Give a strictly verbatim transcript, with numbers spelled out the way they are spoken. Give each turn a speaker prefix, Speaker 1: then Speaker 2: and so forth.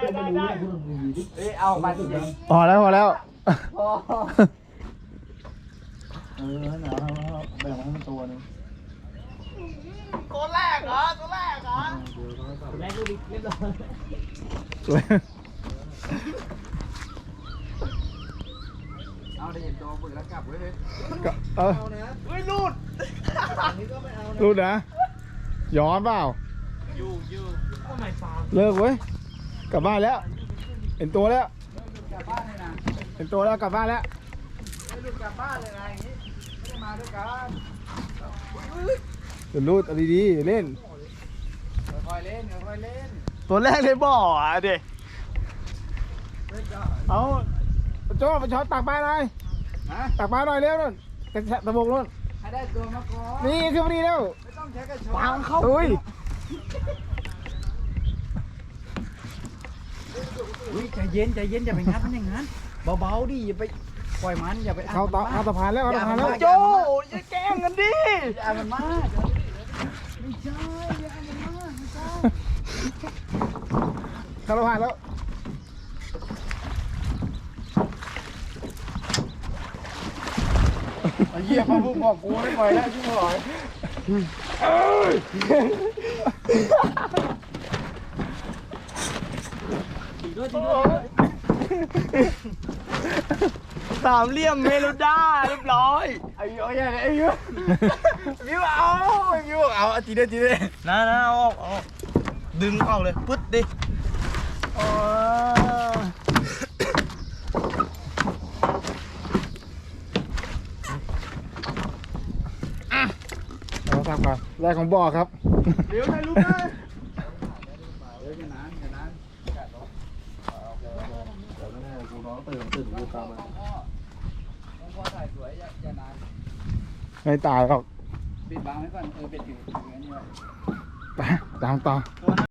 Speaker 1: ได้ได้เอ้ยเอาไปจริง
Speaker 2: พอแล้วพอแล้ว
Speaker 1: พอ
Speaker 2: เออหนาวแล้วแบ่งให้มันตัวนึง
Speaker 1: ตัวแรกเหรอตัวแรกเหรอแรกดูดิเรียบร้อย
Speaker 2: สวย
Speaker 1: เอาได้เห็นตัวปืนแล้วกลับไว้เลย
Speaker 2: ก็เออ
Speaker 1: เฮ้ยลูด
Speaker 2: รู้นะย้อนเปล่า
Speaker 1: อยู่อยู่ทำไมฟาร์ม
Speaker 2: เลิกเว้ยกลับบ้านแล้วเห็นตัวแล้ว
Speaker 1: กลับบ้านเลยนะ
Speaker 2: เห็นตัวแล้วกลับบ้านแล้ว
Speaker 1: ไม่ลูดกลับบ้านเลยนะอย่างนี้ไม่ได้มาด้วยกัน
Speaker 2: เดี๋ยวรูดเอาดีๆเล่น
Speaker 1: ค่อยๆเล่นค่อยๆเล่น
Speaker 2: ตัวแรกเลยบ่ออ่ะเด็กเอาโจ้ไปช้อนตักปลาหน่อย
Speaker 1: ฮะ
Speaker 2: ตักปลาหน่อยเร็วนู่นกระชะตะบกนู่น
Speaker 1: ให้ได้ตัวมาก่อน
Speaker 2: นี่ขึ้นมาดีแล้ว
Speaker 1: ไม่ต้องใช้กระชอน
Speaker 2: เข้าอุ้ย
Speaker 1: อุ้ยใจเย็นใจเย็นอย่าไปงัดมันอย่างนั้นเบาๆดิอย่าไปปล่อยมันอย่าไป
Speaker 2: เข้าตาเข้าสะพานแล้วเข้าสะพานแล้ว
Speaker 1: โจ้อย่าแกล้งกันดิอย่ามันมากไม่ใช่อย่ามันมากไม่ใช่
Speaker 2: เข้าสะพานแล้ว
Speaker 1: ไอ้เหี้ยเขาพูดบอกกูไม่ปล่อยแล้วชิบหายสามเหลี่ยมเมโลด้าเรียบร้อยไอ้เหี้ยไอ้เหี้ยมิวเอามิวเอาจีเด้จีเด้นะนะเอาออกเอาดึงออกเลยปึ๊ดดิ
Speaker 2: อ๋อเอาทำก่อนแรกของบ่อครับ
Speaker 1: เดี๋ยวได้รู้ไหมเดี๋ยวจะนานจะนาน
Speaker 2: กูน้องตื่นตื่นกูตามมา
Speaker 1: พ่อถ่ายสวยอย่าอย่านาน
Speaker 2: ไม่ตายหรอก
Speaker 1: ปิดบังไว้ก่อนเออปิดอยู่อย่างนี้ไว้
Speaker 2: ไปตามต่อ